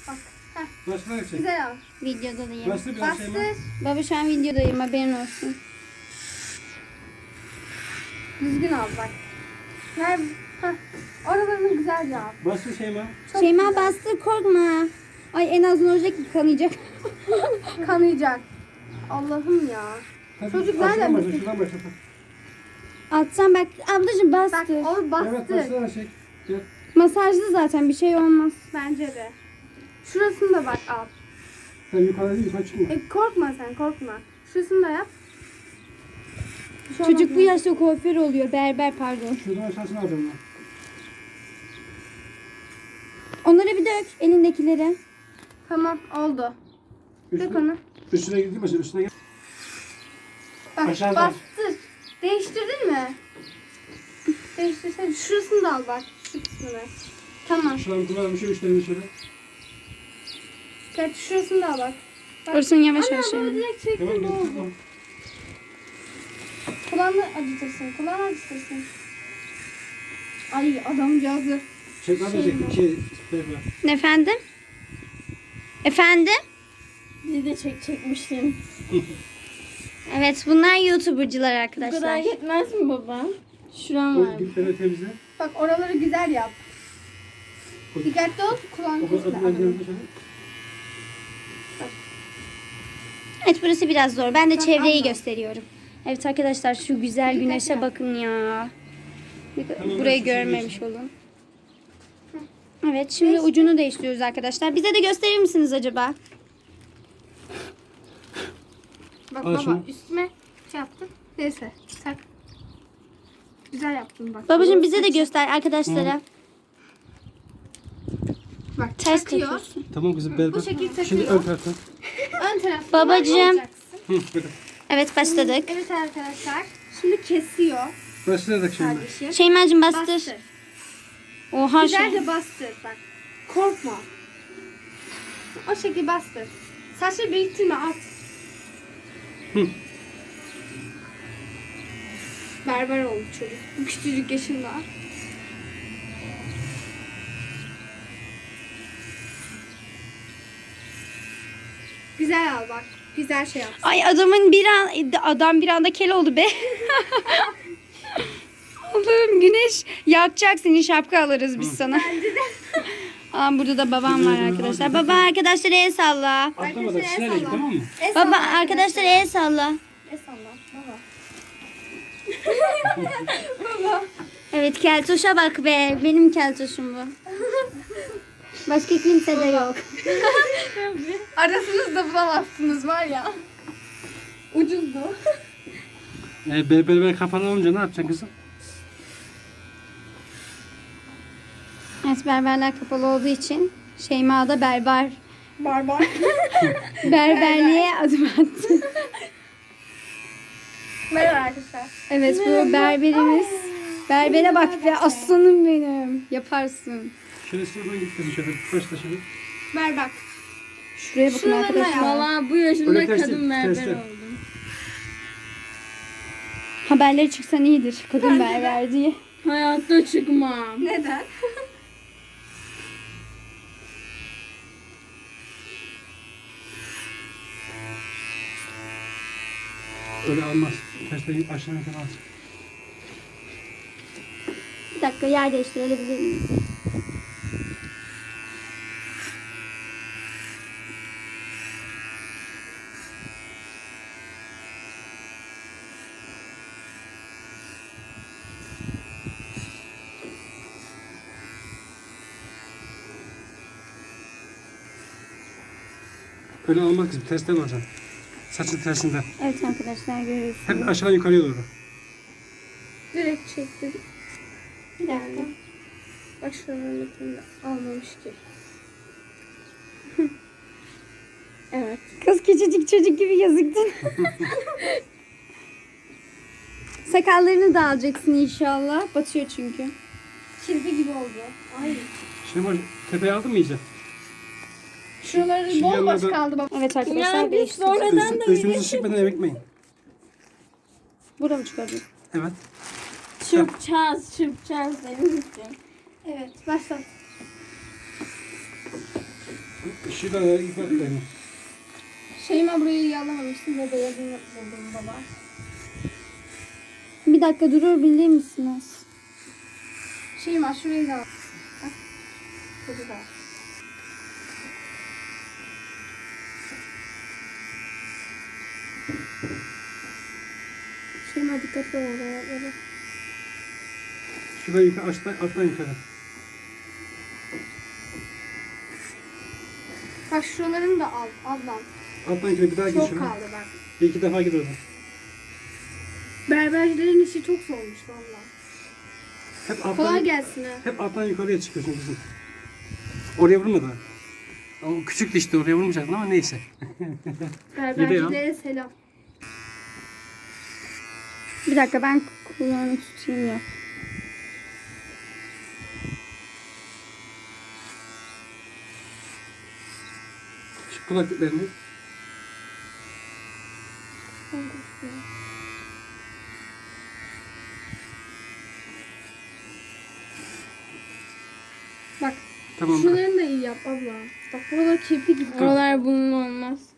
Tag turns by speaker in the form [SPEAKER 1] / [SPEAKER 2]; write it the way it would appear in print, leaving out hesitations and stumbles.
[SPEAKER 1] Bak. Heh.
[SPEAKER 2] Başına çek.
[SPEAKER 1] Güzel al.
[SPEAKER 3] Videodayım.
[SPEAKER 2] Bastır biraz şey mi?
[SPEAKER 1] Bastır.
[SPEAKER 3] Baba şu an videodayım, haberin olsun.
[SPEAKER 1] Düzgün al bak. Ver. Heh. Oralarını güzelce al.
[SPEAKER 2] Bastır şey mi?
[SPEAKER 1] Çok
[SPEAKER 3] Şeyma
[SPEAKER 1] güzel.
[SPEAKER 3] bastır, korkma. Ay en az ne olacak ki, kanayacak.
[SPEAKER 1] Kanayacak. Allah'ım ya. Çocuk nereden
[SPEAKER 2] başla,
[SPEAKER 1] bilsin?
[SPEAKER 2] şuradan başla.
[SPEAKER 3] Atacağım bak ablacığım,
[SPEAKER 1] Bak
[SPEAKER 3] bastır.
[SPEAKER 1] o
[SPEAKER 2] Evet
[SPEAKER 1] bastır.
[SPEAKER 2] başla çek. Gel.
[SPEAKER 3] Masajlı zaten, bir şey olmaz.
[SPEAKER 1] Bence de. Şurasını da bak al.
[SPEAKER 2] Sen yukarı değil yukarı çıkma.
[SPEAKER 1] Korkma sen korkma. Şurasını da yap. Bir şey olmaz
[SPEAKER 3] Çocuk bu
[SPEAKER 1] mı?
[SPEAKER 3] yaşta kuaför oluyor, berber pardon.
[SPEAKER 2] Şuradan aşağısını alacağım ben.
[SPEAKER 3] Onları bir dök, elindekileri.
[SPEAKER 1] Tamam oldu. Dök onu.
[SPEAKER 2] Üstüne gideyim mi? Üstüne gel.
[SPEAKER 1] Bak
[SPEAKER 2] Aşağıdan.
[SPEAKER 1] bastır. Değiştirdin mi? Değiştirsene. Şurasını da al bak. Şu kısmını. Tamam.
[SPEAKER 2] Şuradan kullanalım bir şey üstlerine şöyle.
[SPEAKER 1] Evet şurasını da al bak. Bak.
[SPEAKER 3] Orasını yavaş
[SPEAKER 1] Ana
[SPEAKER 3] yavaş
[SPEAKER 1] bunu
[SPEAKER 3] yapayım.
[SPEAKER 1] direkt çektim
[SPEAKER 2] Tamam
[SPEAKER 1] ne
[SPEAKER 2] gel.
[SPEAKER 1] oldu?
[SPEAKER 2] Tamam.
[SPEAKER 1] Kulağını acıtırsın. Kulağını acıtırsın. Ay adamcağızı.
[SPEAKER 2] Çek lan
[SPEAKER 1] Şey
[SPEAKER 2] çek.
[SPEAKER 1] mi?
[SPEAKER 2] Şey.
[SPEAKER 3] Efendim? Efendim?
[SPEAKER 4] Bizi de çekmiştin.
[SPEAKER 3] Evet, bunlar YouTuber'cılar
[SPEAKER 4] Bu
[SPEAKER 3] arkadaşlar.
[SPEAKER 4] kadar yetmez mi baba? Şuram var.
[SPEAKER 2] O dipleri temizle.
[SPEAKER 1] Bak oraları güzel yap. Dikkatli ol. Kulağını
[SPEAKER 2] O kadar
[SPEAKER 1] kesme.
[SPEAKER 2] adımdan
[SPEAKER 1] adamın.
[SPEAKER 2] temizle şöyle.
[SPEAKER 3] Evet, burası biraz zor. Ben de
[SPEAKER 1] Bak,
[SPEAKER 3] çevreyi
[SPEAKER 1] abla.
[SPEAKER 3] gösteriyorum. Evet arkadaşlar, şu güzel güneşe
[SPEAKER 1] yap.
[SPEAKER 3] bakın ya.
[SPEAKER 2] Tamam,
[SPEAKER 3] Burayı
[SPEAKER 2] ben
[SPEAKER 3] görmemiş
[SPEAKER 2] sizi
[SPEAKER 3] olun. Evet, şimdi ucunu değiştiriyoruz arkadaşlar. Bize de gösterir misiniz acaba?
[SPEAKER 1] Bak
[SPEAKER 2] Al
[SPEAKER 1] baba
[SPEAKER 2] şunu.
[SPEAKER 1] üstüme şey yaptın. Neyse tak. Güzel yaptın bak.
[SPEAKER 3] Babacığım bize de göster arkadaşlara.
[SPEAKER 1] Bak
[SPEAKER 3] Ters
[SPEAKER 1] takıyor.
[SPEAKER 3] takıyorsun.
[SPEAKER 2] Tamam kızım berber.
[SPEAKER 1] Bu şekil takıyor.
[SPEAKER 2] Şimdi ön taraftan.
[SPEAKER 1] Ön taraftan
[SPEAKER 3] Babacığım.
[SPEAKER 1] alacaksın.
[SPEAKER 2] Hı, böyle.
[SPEAKER 3] Evet, başladık.
[SPEAKER 1] Evet arkadaşlar. Şimdi kesiyor
[SPEAKER 2] Başladık şimdi.
[SPEAKER 1] kardeşim.
[SPEAKER 3] Şeymacığım bastır.
[SPEAKER 1] Bastır.
[SPEAKER 3] Oha
[SPEAKER 1] Güzelce bastır bak. Korkma. O şekil bastır. Saçları biriktirme at.
[SPEAKER 2] Hı.
[SPEAKER 1] Berber oldu çocuk. Bu küçücük yaşında. Güzel al bak. Güzel şey yap.
[SPEAKER 3] Ay adam bir anda kel oldu be. Allah'ım, güneş yakacak seni, şapka alırız biz sana. Aa, burada da babam var arkadaşlar. Baba, arkadaşlar el salla.
[SPEAKER 2] Atlamadan
[SPEAKER 1] Arkadaşlar,
[SPEAKER 2] sinerek
[SPEAKER 1] el salla.
[SPEAKER 2] tamam mı?
[SPEAKER 3] Baba, arkadaşlar el salla.
[SPEAKER 1] Esalla. Baba.
[SPEAKER 3] Evet, keltoşa bak be. Benim keltoşum bu. Başka kimse de yok.
[SPEAKER 1] Arasınızda bulamazsınız var ya. Ucuzdu.
[SPEAKER 2] Berber kapalı olunca ne yapacaksın kızım?
[SPEAKER 3] Evet, berberler kapalı olduğu için Şeyma da
[SPEAKER 1] Barbar.
[SPEAKER 3] berberliğe adım attı.
[SPEAKER 1] Merhaba arkadaşlar.
[SPEAKER 3] Evet, bu berberimiz. Berbere bak be, aslanım benim. Yaparsın.
[SPEAKER 2] Şöyle sırtına git kızım şöyle. Başla şöyle.
[SPEAKER 1] Ver bak.
[SPEAKER 3] Şuraya bakın
[SPEAKER 1] Şuralarına
[SPEAKER 3] arkadaşlar.
[SPEAKER 1] yap.
[SPEAKER 4] Valla bu yaşımda
[SPEAKER 2] Öyle ters
[SPEAKER 4] kadın
[SPEAKER 2] değil,
[SPEAKER 4] berber
[SPEAKER 2] ters değil.
[SPEAKER 4] oldum.
[SPEAKER 3] Haberleri çıksan iyidir. Kadın berber diye.
[SPEAKER 4] Hayatta çıkmam.
[SPEAKER 1] Neden?
[SPEAKER 2] Öyle almaz. Tersten aşağıya kadar alsın.
[SPEAKER 3] Bir dakika, yer değiştirebilir miyiz?
[SPEAKER 2] Öyle almaz kızım. Tersten alacaksın. Saçın tersinden.
[SPEAKER 3] Evet arkadaşlar, görüyorsunuz.
[SPEAKER 2] Hep aşağı yukarıya doğru.
[SPEAKER 1] Direkt çektim. Bir dakika. Bak şuraların bütününü almamış ki. Evet.
[SPEAKER 3] Kız küçücük çocuk gibi gözüktün. Sakallarını da alacaksın inşallah. Batıyor çünkü.
[SPEAKER 1] Kirpi gibi oldu. Ay.
[SPEAKER 2] Şimdi bak tepeye aldın mı iyice?
[SPEAKER 1] Şuraları
[SPEAKER 2] Şu
[SPEAKER 1] bomboş
[SPEAKER 2] yanlarda-
[SPEAKER 1] kaldı bak.
[SPEAKER 3] Evet arkadaşlar,
[SPEAKER 4] Ya biz
[SPEAKER 3] değiştirdik.
[SPEAKER 4] sonradan da
[SPEAKER 2] Üstünüzü sıkmadan eve gitmeyin.
[SPEAKER 3] Burada mı çıkardın?
[SPEAKER 2] Evet.
[SPEAKER 4] çırpacağız benim için.
[SPEAKER 1] Evet başlat.
[SPEAKER 2] Şurada ip at benim.
[SPEAKER 1] Şeyma burayı yalamamışsın ve beyazını buldum baba.
[SPEAKER 3] Bir dakika durabilir misiniz?
[SPEAKER 1] Şeyma şurayı da al. Bak. Burada da. Şeyma dikkatli ol oraya.
[SPEAKER 2] Şurada yukarı alttan yukarı.
[SPEAKER 1] Bak şuralarını da al ablam.
[SPEAKER 2] Alttan yukarı bir daha gir
[SPEAKER 1] Çok
[SPEAKER 2] şuraya.
[SPEAKER 1] kaldı bak.
[SPEAKER 2] Bir iki defa gir oradan.
[SPEAKER 1] Berbercilerin işi çok zormuş valla.
[SPEAKER 2] Hep
[SPEAKER 1] Kolay
[SPEAKER 2] alttan,
[SPEAKER 1] gelsin ha.
[SPEAKER 2] hep alttan yukarıya çıkıyorsun kızım. Oraya vurma da. Ama küçüktü işte oraya vurmayacaktın ama neyse.
[SPEAKER 1] Berbercilere selam.
[SPEAKER 3] Bir dakika ben kulağını tutayım ya.
[SPEAKER 2] Şu kulaklıklarını.
[SPEAKER 1] Bak
[SPEAKER 2] Tamam.
[SPEAKER 1] şuralarını da iyi yap abla. Bak buralar kirpi gibi.
[SPEAKER 4] Oralar bunun olmaz.